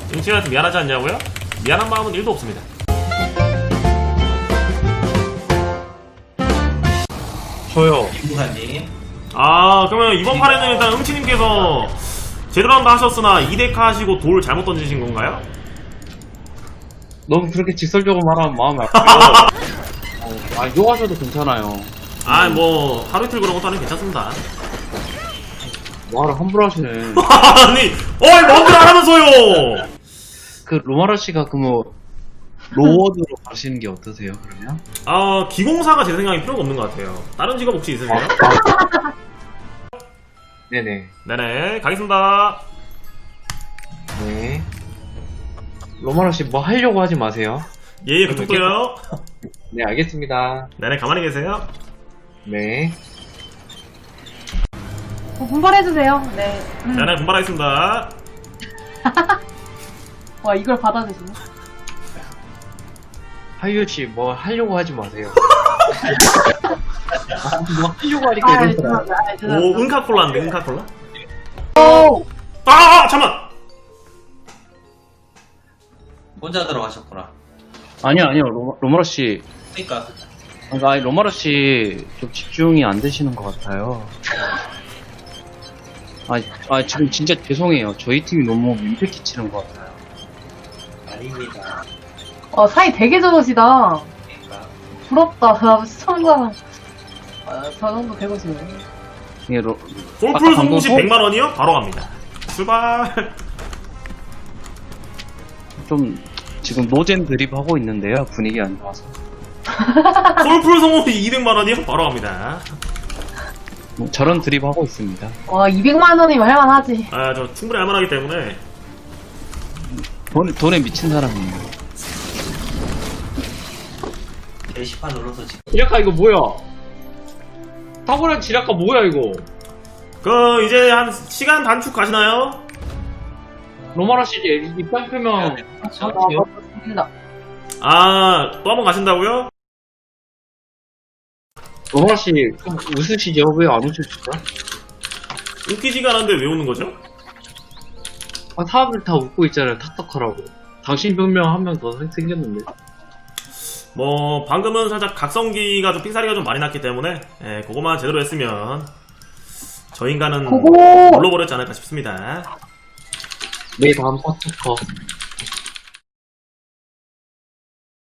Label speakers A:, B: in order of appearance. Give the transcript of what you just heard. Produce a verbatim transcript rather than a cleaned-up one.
A: 응치한테 미안하지 않냐고요? 미안한 마음은 일도 없습니다.
B: 저요.
C: 김부사님.
A: 아, 그러면 이번 판에는 일단 응치님께서 제대로 한번 하셨으나 이 데카 하시고 돌 잘못 던지신 건가요?
B: 너무 그렇게 직설적으로 말하면 마음이 아파요. 어, 아, 욕하셔도 괜찮아요.
A: 아, 뭐 하루 이틀 그런 것도 아니면 괜찮습니다.
B: 말을 함부로 하시네.
A: 아니, 어이 뭔들 안 하면서요!
B: 그 로마라 씨가 그 뭐 로워드로 가시는 게 어떠세요? 그러면?
A: 아, 기공사가 제 생각에 필요가 없는 것 같아요. 다른 직업 혹시 있으세요?
B: 네네.
A: 네네, 가겠습니다.
B: 네. 로마라 씨 뭐 하려고 하지 마세요.
A: 예, 그쪽도요.
B: 네, 알겠습니다.
A: 네네, 가만히 계세요.
B: 네.
D: 어, 분발해주세요. 네. 음.
A: 네네, 분발하겠습니다.
D: 와, 이걸 받아주시네.
B: 하유 씨 뭐 하려고 하지 마세요. 아, 뭐 하려고 하니까
D: 아,
B: 이런 거야.
D: 죄송합니다. 아,
A: 오,
D: 죄송합니다.
A: 응카콜라인데, 응카콜라?
D: 오!
A: 아, 아, 잠깐만!
C: 혼자 들어가셨구나.
B: 아니요, 아니요. 로, 로마라 씨.
C: 그니까.
B: 그러니까 아니, 로마라 씨 좀 집중이 안 되시는 것 같아요. 아, 아 지금 진짜 죄송해요. 저희 팀이 너무 민폐 끼치는 것 같아요.
C: 아닙니다.
D: 어, 사이 되게 좋으시다.
C: 그니까.
D: 부럽다. 나 시청자. 아, 저 정도 되고 싶네.
B: 이게 로,
A: 골풀
B: 아까 방금
A: 송곳이
B: 소-
A: 백만 원이요? 바로 갑니다. 출발!
B: 좀 지금 노젠 드립 하고 있는데요. 분위기 안 좋아서.
A: 골풀 송곳이 이백만 원이요? 바로 갑니다.
B: 뭐 저런 드립 하고 있습니다.
D: 와, 이백만 원이면 할만하지.
A: 아, 저 충분히 할만하기 때문에.
B: 돈, 돈에 미친 사람이에요.
C: 게시판 눌러서 지금.
B: 지라카 이거 뭐야? 탁월한 지라카 뭐야 이거?
A: 그, 이제 한 시간 단축 가시나요?
B: 로마라 씨 이제 입장 표명
C: 그렇죠.
D: 아, 맞습니다.
A: 아, 또 한 번 가신다고요?
B: 로마라 씨 좀 웃으시죠? 왜 안 웃으시죠?
A: 웃기지가 않은데 왜 웃는 거죠?
B: 아, 사람들 다 웃고 있잖아요. 탁탁하라고. 당신 변명 한 명 더 생겼는데.
A: 뭐, 방금은 살짝 각성기가 좀 삑사리가 좀 많이 났기 때문에, 예, 그거만 제대로 했으면, 저 인간은
D: 고고!
A: 물러버렸지 않을까 싶습니다.
B: 내 다음 탁탁커.